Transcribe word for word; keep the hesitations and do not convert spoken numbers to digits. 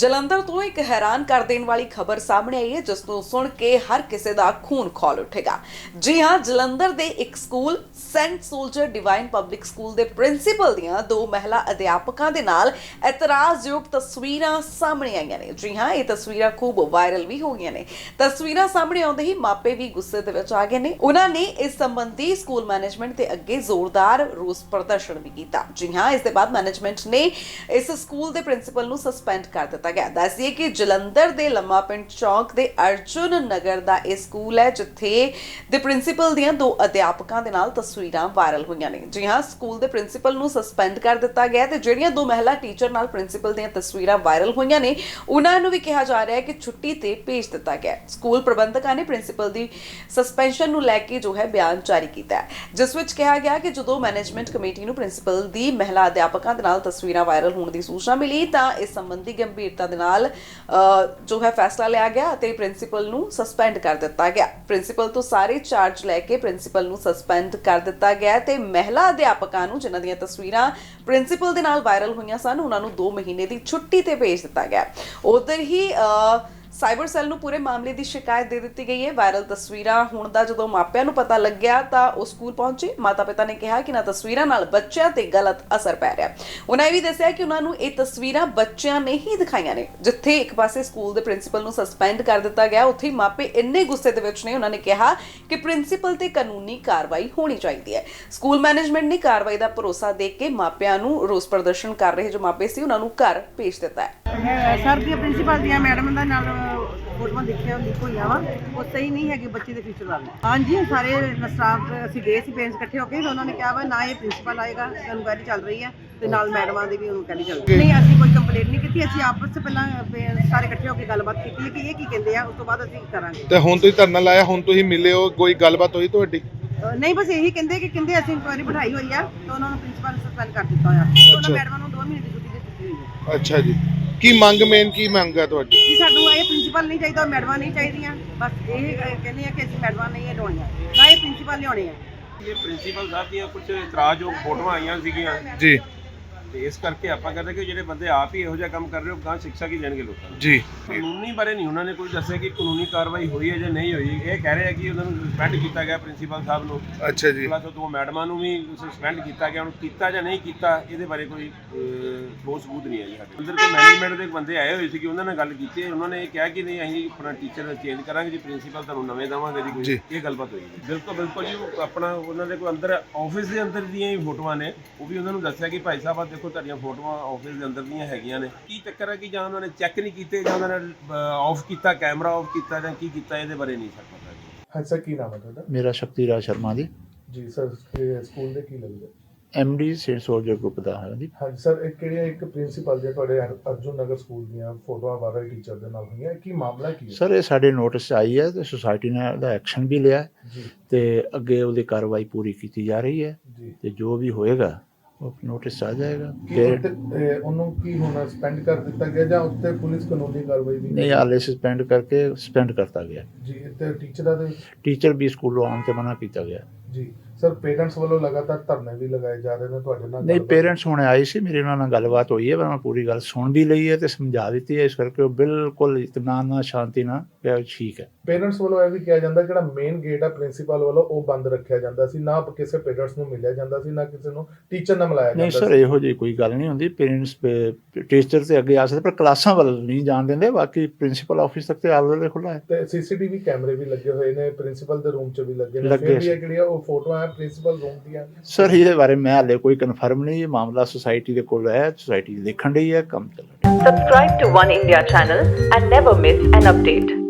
ਜਲੰਧਰ ਤੋਂ ਇੱਕ ਹੈਰਾਨ ਕਰ ਦੇਣ ਵਾਲੀ ਖਬਰ ਸਾਹਮਣੇ ਆਈ ਹੈ ਜਿਸ ਨੂੰ ਸੁਣ ਕੇ ਹਰ ਕਿਸੇ ਦਾ ਖੂਨ ਖੌਲ ਉੱਠੇਗਾ। ਜੀ ਹਾਂ, ਜਲੰਧਰ ਦੇ ਇੱਕ school Saint Soldier Divine Public School ਦੇ ਪ੍ਰਿੰਸੀਪਲ ਦੀਆਂ ਦੋ ਮਹਿਲਾ ਅਧਿਆਪਕਾਂ ਦੇ ਨਾਲ ਇਤਰਾਜ਼ਯੋਗ ਤਸਵੀਰਾਂ ਸਾਹਮਣੇ ਆਈਆਂ ਨੇ। ਜੀ ਹਾਂ, ਇਹ ਤਸਵੀਰਾਂ ਖੂਬ ਵਾਇਰਲ ਵੀ ਹੋ ਗਈਆਂ ਨੇ। ਤਸਵੀਰਾਂ ਸਾਹਮਣੇ ਆਉਂਦੇ ਹੀ ਮਾਪੇ ਵੀ ਗੁੱਸੇ ਦੇ ਵਿੱਚ ਆ ਗਏ ਨੇ। ਉਹਨਾਂ ਨੇ ਇਸ ਸੰਬੰਧੀ ਸਕੂਲ ਮੈਨੇਜਮੈਂਟ ਦੇ ਅੱਗੇ ਜ਼ੋਰਦਾਰ ਰੋਸ ਪ੍ਰਦਰਸ਼ਨ ਵੀ ਕੀਤਾ। ਜੀ ਹਾਂ, ਇਸ ਦੇ ਬਾਅਦ ਮੈਨੇਜਮੈਂਟ ਨੇ ਇਸ ਸਕੂਲ ਦੇ ਪ੍ਰਿੰਸੀਪਲ ਨੂੰ ਸਸਪੈਂਡ ਕਰ ਦਿੱਤਾ ਗਿਆ। ਦੱਸਿए कि ਜਲੰਧਰ ਦੇ ਲੰਮਾ ਪਿੰਡ ਚੌਕ ਦੇ ਅਰਜੁਨ ਨਗਰ ਦਾ ਇਹ ਸਕੂਲ ਹੈ ਜਿੱਥੇ ਦੇ ਪ੍ਰਿੰਸੀਪਲ ਦੀਆਂ ਦੋ ਅਧਿਆਪਕਾਂ ਦੇ ਨਾਲ ਤਸਵੀਰਾਂ ਵਾਇਰਲ ਹੋਈਆਂ ਨੇ। ਜੀ ਹਾਂ, ਸਕੂਲ ਦੇ ਪ੍ਰਿੰਸੀਪਲ ਨੂੰ ਸਸਪੈਂਡ ਕਰ ਦਿੱਤਾ ਗਿਆ ਤੇ ਜਿਹੜੀਆਂ ਦੋ ਮਹਿਲਾ ਟੀਚਰ ਨਾਲ ਪ੍ਰਿੰਸੀਪਲ ਦੀਆਂ ਤਸਵੀਰਾਂ ਵਾਇਰਲ ਹੋਈਆਂ ਨੇ ਉਹਨਾਂ ਨੂੰ ਵੀ ਕਿਹਾ ਜਾ ਰਿਹਾ ਹੈ ਕਿ ਛੁੱਟੀ ਤੇ ਭੇਜ ਦਿੱਤਾ ਗਿਆ। ਸਕੂਲ ਪ੍ਰਬੰਧਕਾਂ ਨੇ ਪ੍ਰਿੰਸੀਪਲ ਦੀ ਸਸਪੈਂਸ਼ਨ ਨੂੰ ਲੈ ਕੇ ਜੋ ਹੈ ਬਿਆਨ ਜਾਰੀ ਕੀਤਾ ਹੈ ਜਿਸ ਵਿੱਚ ਕਿਹਾ ਗਿਆ ਕਿ ਜਦੋਂ ਮੈਨੇਜਮੈਂਟ ਕਮੇਟੀ ਨੂੰ ਪ੍ਰਿੰਸੀਪਲ ਦੀ ਮਹਿਲਾ ਅਧਿਆਪਕਾਂ ਦੇ ਨਾਲ ਤਸਵੀਰਾਂ ਵਾਇਰਲ ਹੋਣ ਦੀ ਸੂਚਨਾ ਮਿਲੀ ਤਾਂ ਇਸ ਸੰਬੰਧੀ ਗੰਭੀਰਤਾ ਦੇ ਨਾਲ ਜੋ ਹੈ ਫੈਸਲਾ ਲਿਆ ਗਿਆ ਅਤੇ ਪ੍ਰਿੰਸੀਪਲ ਨੂੰ ਸਸਪੈਂਡ ਕਰ ਦਿੱਤਾ ਗਿਆ। ਪ੍ਰਿੰਸੀਪਲ ਤੋਂ ਸਾਰੇ ਚਾਰਜ ਲੈ ਕੇ ਪ੍ਰਿੰਸੀਪਲ ਨੂੰ ਸਸਪੈਂਡ ਕਰ ਦਿੱਤਾ ਗਿਆ ਤੇ ਮਹਿਲਾ ਅਧਿਆਪਕਾਂ ਨੂੰ ਜਿਨ੍ਹਾਂ ਦੀਆਂ ਤਸਵੀਰਾਂ ਪ੍ਰਿੰਸੀਪਲ ਦੇ ਨਾਲ ਵਾਇਰਲ ਹੋਈਆਂ ਸਨ ਉਹਨਾਂ ਨੂੰ ਦੋ ਮਹੀਨੇ ਦੀ ਛੁੱਟੀ ਤੇ ਭੇਜ ਦਿੱਤਾ ਗਿਆ। ਉਧਰ ਹੀ ਸਾਈਬਰ ਸੈੱਲ ਨੂੰ ਪੂਰੇ ਮਾਮਲੇ ਦੀ ਸ਼ਿਕਾਇਤ ਦੇ ਦਿੱਤੀ ਗਈ ਹੈ। ਵਾਇਰਲ ਤਸਵੀਰਾਂ ਹੋਣ ਦਾ ਜਦੋਂ ਮਾਪਿਆਂ ਨੂੰ ਪਤਾ ਲੱਗਿਆ ਤਾਂ ਉਹ ਸਕੂਲ ਪਹੁੰਚੇ। ਮਾਤਾ ਪਿਤਾ ਨੇ ਕਿਹਾ ਕਿ ਇਹਨਾਂ ਤਸਵੀਰਾਂ ਨਾਲ ਬੱਚਿਆਂ ਤੇ ਗਲਤ ਅਸਰ ਪੈ ਰਿਹਾ। ਉਹਨਾਂ ਇਹ ਵੀ ਦੱਸਿਆ ਕਿ ਉਹਨਾਂ ਨੂੰ ਇਹ ਤਸਵੀਰਾਂ ਬੱਚਿਆਂ ਨੇ ਹੀ ਦਿਖਾਈਆਂ ਨੇ। ਜਿੱਥੇ ਇੱਕ ਪਾਸੇ ਸਕੂਲ ਦੇ ਪ੍ਰਿੰਸੀਪਲ ਨੂੰ ਸਸਪੈਂਡ ਕਰ ਦਿੱਤਾ ਗਿਆ, ਉੱਥੇ ਮਾਪੇ ਇੰਨੇ ਗੁੱਸੇ ਦੇ ਵਿੱਚ ਨੇ। ਉਹਨਾਂ ਨੇ ਕਿਹਾ ਕਿ ਪ੍ਰਿੰਸੀਪਲ ਤੇ ਕਾਨੂੰਨੀ ਕਾਰਵਾਈ ਹੋਣੀ ਚਾਹੀਦੀ ਹੈ। ਸਕੂਲ ਮੈਨੇਜਮੈਂਟ ਨੇ ਕਾਰਵਾਈ ਦਾ ਭਰੋਸਾ ਦੇ ਕੇ ਮਾਪਿਆਂ ਨੂੰ ਰੋਸ ਪ੍ਰਦਰਸ਼ਨ ਕਰ ਰਹੇ ਜੋ ਮਾਪੇ ਸੀ ਉਹਨਾਂ ਨੂੰ ਘਰ ਭੇਜ ਦਿੱਤਾ ਹੈ। ਸਰ ਦੀ ਪ੍ਰਿੰਸੀਪਲ ਦੀਆਂ ਮੈਡਮ ਦਾ ਨਾਲ ਫੋਟੋਆਂ ਦੇਖਿਆ ਲਿਖ ਹੋਈਆਂ ਵਾ, ਉਹ ਸਹੀ ਨਹੀਂ ਹੈਗੀ ਬੱਚੇ ਦੇ ਫਿਊਚਰ ਵੱਲ। ਹਾਂਜੀ, ਸਾਰੇ ਸਟਾਫ ਅਸੀਂ ਗਏ ਸੀ ਪੇਰੈਂਟਸ ਇਕੱਠੇ ਹੋ ਕੇ, ਉਹਨਾਂ ਨੇ ਕਿਹਾ ਵਾ ਨਾ ਇਹ ਪ੍ਰਿੰਸੀਪਲ ਆਏਗਾ, ਇਨਕੁਆਇਰੀ ਚੱਲ ਰਹੀ ਹੈ ਤੇ ਨਾਲ ਮੈਡਮਾਂ ਦੀ ਵੀ ਇਨਕੁਆਇਰੀ ਚੱਲ ਰਹੀ ਹੈ। ਨਹੀਂ, ਅਸੀਂ ਕੋਈ ਕੰਪਲੇਂਟ ਨਹੀਂ ਕੀਤੀ। ਅਸੀਂ ਆਪਸ ਵਿੱਚ ਪਹਿਲਾਂ ਸਾਰੇ ਇਕੱਠੇ ਹੋ ਕੇ ਗੱਲਬਾਤ ਕੀਤੀ ਹੈ ਕਿ ਇਹ ਕੀ ਕਹਿੰਦੇ ਆ, ਉਸ ਤੋਂ ਬਾਅਦ ਅਸੀਂ ਕਰਾਂਗੇ। ਤੇ ਹੁਣ ਤੁਸੀਂ ਧਰਨਾ ਲਾਇਆ, ਹੁਣ ਤੁਸੀਂ ਮਿਲੇ ਹੋ, ਕੋਈ ਗੱਲਬਾਤ ਹੋਈ ਤੁਹਾਡੀ? ਨਹੀਂ, ਬਸ ਇਹੀ ਕਹਿੰਦੇ ਕਿ ਕਹਿੰਦੇ ਅਸੀਂ ਇਨਕੁਆਇਰੀ ਬਿਠਾਈ ਹੋਈ ਆ ਤਾਂ ਉਹਨਾਂ ਨੂੰ ਪ੍ਰਿੰਸੀਪਲ ਸਸਪੈਂਡ ਕਰ ਦਿੱਤਾ ਹੋਇਆ। ਉਹਨਾਂ ਮੈਡਮਾਂ ਨੂੰ ਦੋ ਮਹੀਨੇ ਦੀ ਛੁੱਟੀ ਦੇ ਦਿੱਤੀ ਹੋਈ ਹੈ। ਅੱਛਾ ਜੀ, ਕੀ ਮੰਗ ਮੇਨ ਕੀ ਮੰਗ ਹੈ ਤੁਹਾਡੀ? ਜੀ ਸਾਨੂੰ ਇਹ ਪ੍ਰਿੰਸੀਪਲ ਨਹੀਂ ਚਾਹੀਦਾ, ਮੈਡਮਾਂ ਨਹੀਂ ਚਾਹੀਦੀਆਂ। ਬਸ ਇਹ ਕਹਿੰਦੇ ਆ ਕਿ ਅਸੀਂ ਮੈਡਮਾਂ ਨਹੀਂ ਹਟਾਉਣੀਆਂ, ਨਾ ਇਹ ਪ੍ਰਿੰਸੀਪਲ ਲਿਆਉਣੇ ਆ। ਇਹ ਪ੍ਰਿੰਸੀਪਲ ਸਾਹਿਬ ਦੀਆਂ ਕੁਝ ਇਤਰਾਜ਼ਯੋਗ ਫੋਟੋਆਂ ਆਈਆਂ ਸੀਗੀਆਂ ਜੀ, ਤੇ ਇਸ ਕਰਕੇ ਆਪਾਂ ਕਹਿੰਦੇ ਕਿ ਜਿਹੜੇ ਬੰਦੇ ਆਪ ਹੀ ਇਹੋ ਜਿਹਾ ਕੰਮ ਕਰ ਰਹੇ ਹੋ ਗਾਂ ਸਿੱਖਿਆ ਕੀ ਦੇਣਗੇ ਲੋਕਾਂ ਨੂੰ। ਜੀ, ਕਾਨੂੰਨੀ ਬਾਰੇ ਨਹੀਂ ਉਹਨਾਂ ਨੇ ਕੋਈ ਦੱਸਿਆ ਕਿ ਕਾਨੂੰਨੀ ਕਾਰਵਾਈ ਹੋਈ ਹੈ ਜਾਂ ਨਹੀਂ ਹੋਈ। ਇਹ ਕਹਿ ਰਹੇ ਆ ਕਿ ਉਹਨਾਂ ਨੂੰ ਸਸਪੈਂਡ ਕੀਤਾ ਗਿਆ ਪ੍ਰਿੰਸੀਪਲ ਸਾਹਿਬ ਨੂੰ। ਅੱਛਾ ਜੀ, ਪਲੱਸ ਦੋ ਮੈਡਮਾਂ ਨੂੰ ਵੀ ਸਸਪੈਂਡ ਕੀਤਾ ਗਿਆ। ਹੁਣ ਕੀਤਾ ਜਾਂ ਨਹੀਂ ਕੀਤਾ ਇਹਦੇ ਬਾਰੇ ਕੋਈ ਠੋਸ ਸਬੂਤ ਨਹੀਂ ਹੈ ਜੀ ਸਾਡੇ ਅੰਦਰ। ਕੋਈ ਮੈਨੇਜਮੈਂਟ ਦੇ ਬੰਦੇ ਆਏ ਹੋਏ ਸੀ ਕਿ ਉਹਨਾਂ ਨਾਲ ਗੱਲ ਕੀਤੀ, ਉਹਨਾਂ ਨੇ ਇਹ ਕਿਹਾ ਕਿ ਨਹੀਂ ਅਸੀਂ ਆਪਣਾ ਟੀਚਰ ਚੇਂਜ ਕਰਾਂਗੇ ਜੀ, ਪ੍ਰਿੰਸੀਪਲ ਤੁਹਾਨੂੰ ਨਵੇਂ ਦੇਵਾਂਗੇ ਜੀ। ਕੋਈ ਇਹ ਗੱਲਬਾਤ ਹੋਈ ਜੀ। ਬਿਲਕੁਲ ਬਿਲਕੁਲ ਜੀ, ਆਪਣਾ ਉਹਨਾਂ ਦੇ ਕੋਈ ਅੰਦਰ ਆਫਿਸ ਦੇ ਅੰਦਰ ਦੀਆਂ ਹੀ ਫੋਟੋਆਂ ਨੇ। ਉਹ ਵੀ ਉਹਨਾਂ ਨੂੰ ਦੱਸਿਆ ਕਿ ਭਾਈ ਸਾਹਿਬ ਆ ਦੇਖੋ ਤੁਹਾਡੀਆਂ ਫੋਟੋਆਂ ਆਫਿਸ ਦੇ ਅੰਦਰ ਦੀਆਂ ਹੈਗੀਆਂ ਨੇ। ਕੀ ਚੱਕਰ ਹੈ ਕਿ ਜਾਂ ਉਹਨਾਂ ਨੇ ਚੈੱਕ ਨਹੀਂ ਕੀਤੇ ਜਾਂ ਉਹਨਾਂ ਨੇ ਆਫ ਕੀਤਾ, ਕੈਮਰਾ ਆਫ ਕੀਤਾ ਜਾਂ ਕੀ ਕੀਤਾ, ਇਹਦੇ ਬਾਰੇ ਨਹੀਂ ਸਰ ਪਤਾ ਜੀ। ਹਾਂ ਸਰ, ਕੀ ਨਾਮ ਹੈ ਤੁਹਾਡਾ? ਮੇਰਾ ਸ਼ਕਤੀ ਰਾਜ ਸ਼ਰਮਾ ਜੀ। ਜੀ ਸਰ, ਸਕੂਲ ਦੇ ਕੀ ਲੱਗਦਾ? ਐਮਡੀ ਸੇਂਟ ਸੋਲਜਰ ਗਰੁੱਪ ਦਾ ਹੈ ਜੀ। ਹਾਂਜੀ ਸਰ, ਇਹ ਕਿਹੜੀਆਂ ਇੱਕ ਪ੍ਰਿੰਸੀਪਲ ਦੀਆਂ ਤੁਹਾਡੇ ਅਰਜੁਨ ਨਗਰ ਸਕੂਲ ਦੀਆਂ ਫੋਟੋਆਂ ਵਾਇਰਲ ਟੀਚਰ ਦੇ ਨਾਲ ਹੋਈਆਂ, ਕੀ ਮਾਮਲਾ ਕੀ ਹੈ? ਸਰ ਇਹ ਸਾਡੇ ਨੋਟਿਸ 'ਚ ਆਈ ਹੈ ਤੇ ਸੁਸਾਇਟੀ ਨੇ ਉਹਦਾ ਐਕਸ਼ਨ ਵੀ ਲਿਆ ਜੀ ਤੇ ਅੱਗੇ ਉਹਦੀ ਕਾਰਵਾਈ ਪੂਰੀ ਕੀਤੀ ਜਾ ਰਹੀ ਹੈ ਜੀ। ਤੇ ਜੋ ਵੀ ਹੋਏਗਾ ਉਹ ਨੋਟਿਸ 'ਚ ਆ ਜਾਏਗਾ। ਕੀ ਫਿਰ ਉੱਤੇ, ਇਹ ਉਹਨੂੰ ਕੀ ਹੁਣ ਸਸਪੈਂਡ ਕਰ ਦਿੱਤਾ ਗਿਆ ਜਾਂ ਉੱਤੇ ਪੁਲਿਸ ਕਾਨੂੰਨੀ ਕਾਰਵਾਈ ਵੀ? ਨਹੀਂ, ਹਾਲੇ ਸਸਪੈਂਡ ਕਰਕੇ ਸਸਪੈਂਡ ਕਰਤਾ ਗਿਆ। ਜੀ, ਤੇ ਟੀਚਰਾਂ ਦੇ ਟੀਚਰ ਵੀ ਸਕੂਲੋਂ ਆਉਣ ਤੇ ਮਨਾ ਕੀਤਾ ਗਿਆ। ਜੀ ਸਰ, ਪੇਰੈਂਟਸ ਵੱਲੋਂ ਲਗਾਤਾਰ ਧਰਨੇ ਵੀ ਲਗਾਏ ਜਾ ਰਹੇ ਨੇ ਤੁਹਾਡੇ ਨਾਲ? ਨਹੀਂ, ਪੇਰੈਂਟਸ ਹੁਣ ਆਏ ਸੀ, ਮੇਰੇ ਉਹਨਾਂ ਨਾਲ ਗੱਲਬਾਤ ਹੋਈ ਹੈ, ਮੈਂ ਪੂਰੀ ਗੱਲ ਸੁਣ ਵੀ ਲਈ ਹੈ ਤੇ ਸਮਝਾ ਦਿੱਤੀ ਹੈ। ਇਸ ਕਰਕੇ ਉਹ ਬਿਲਕੁਲ ਇਤਮਾਨ ਨਾਲ, ਸ਼ਾਂਤੀ ਨਾਲ ਕਿਹਾ ਠੀਕ ਹੈ। ਪੇਰੈਂਟਸ ਵੱਲੋਂ ਇਹ ਵੀ ਕਿਹਾ ਜਾਂਦਾ ਜਿਹੜਾ ਮੇਨ ਗੇਟ ਆ ਪ੍ਰਿੰਸੀਪਲ ਵੱਲੋਂ ਉਹ ਬੰਦ ਰੱਖਿਆ ਜਾਂਦਾ ਸੀ, ਨਾ ਕਿਸੇ ਪੇਰੈਂਟਸ ਨੂੰ ਮਿਲਿਆ ਜਾਂਦਾ ਸੀ, ਨਾ ਕਿਸੇ ਨੂੰ ਟੀਚਰ ਨਾਲ ਮਿਲਾਇਆ ਜਾਂਦਾ ਨਹੀਂ ਸੀ। ਸਰ, ਇਹੋ ਜਿਹੀ ਕੋਈ ਗੱਲ ਨਹੀਂ ਹੁੰਦੀ। ਪੇਰੈਂਟਸ ਟੀਚਰ ਤੇ ਅੱਗੇ ਆ ਸਕਦੇ ਪਰ ਕਲਾਸਾਂ ਵੱਲ ਨਹੀਂ ਜਾਣ ਦਿੰਦੇ। ਬਾਕੀ ਪ੍ਰਿੰਸੀਪਲ ਆਫਿਸ ਤੱਕ ਤੇ ਆਲ ਵੇਲੇ ਖੁੱਲ੍ਹਾ ਹੈ ਤੇ ਸੀਸੀਟੀਵੀ ਕੈਮਰੇ ਵੀ ਲੱਗੇ ਹੋਏ ਨੇ, ਪ੍ਰਿੰਸੀਪਲ ਦੇ ਰੂਮ 'ਚ ਵੀ ਲੱਗੇ ਨੇ। ਲੱਗੇ ਫਿਰ ਵੀ ਇਹ ਜਿਹੜੀਆਂ ਉਹ ਫੋਟੋਆਂ ਹੈ ਪ੍ਰਿੰਸੀਪਲ ਰੂਮ ਦੀਆਂ? ਸਰ ਇਹਦੇ ਬਾਰੇ ਮੈਂ ਹਾਲੇ ਕੋਈ ਕਨਫਰਮ ਨਹੀਂ। ਇਹ ਮਾਮਲਾ ਸੁਸਾਇਟੀ ਦੇ ਕੋਲ ਹੈ, ਸੁਸਾਇਟੀ ਦੇਖਣ ਰਹੀ ਹੈ, ਕੰਮ ਚੱਲ ਰਿਹਾ। Subscribe to One India channel and never miss an update.